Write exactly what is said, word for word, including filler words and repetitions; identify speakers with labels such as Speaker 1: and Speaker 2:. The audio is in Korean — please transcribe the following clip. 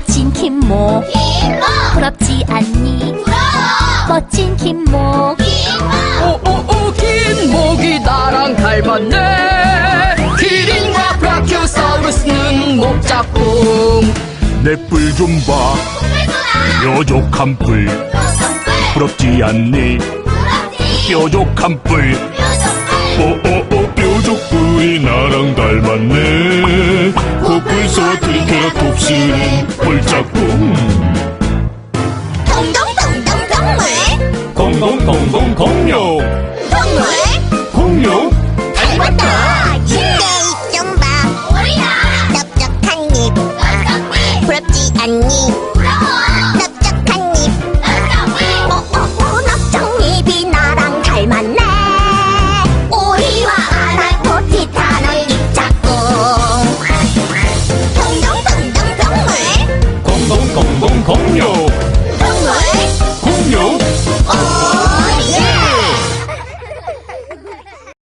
Speaker 1: 멋진 김모.
Speaker 2: 김모.
Speaker 1: 부럽지 않니?
Speaker 2: 부러워.
Speaker 1: 멋진 김모.
Speaker 2: 김모.
Speaker 3: 오오오 긴목이 나랑 닮았네. 기린과 브라키오사우루스는 목짝꿍.
Speaker 4: 내 뿔 좀 봐, 뾰족한 뿔. 부럽지 않니? 뾰족한 뿔. 오오오 뾰족뿔이 나랑 닮았네. 코뿔소와 트리케라톱스는 뿔짝꿍.
Speaker 2: 동동동동 동물.
Speaker 4: 공공공공 공룡.
Speaker 2: 동물.
Speaker 4: 공룡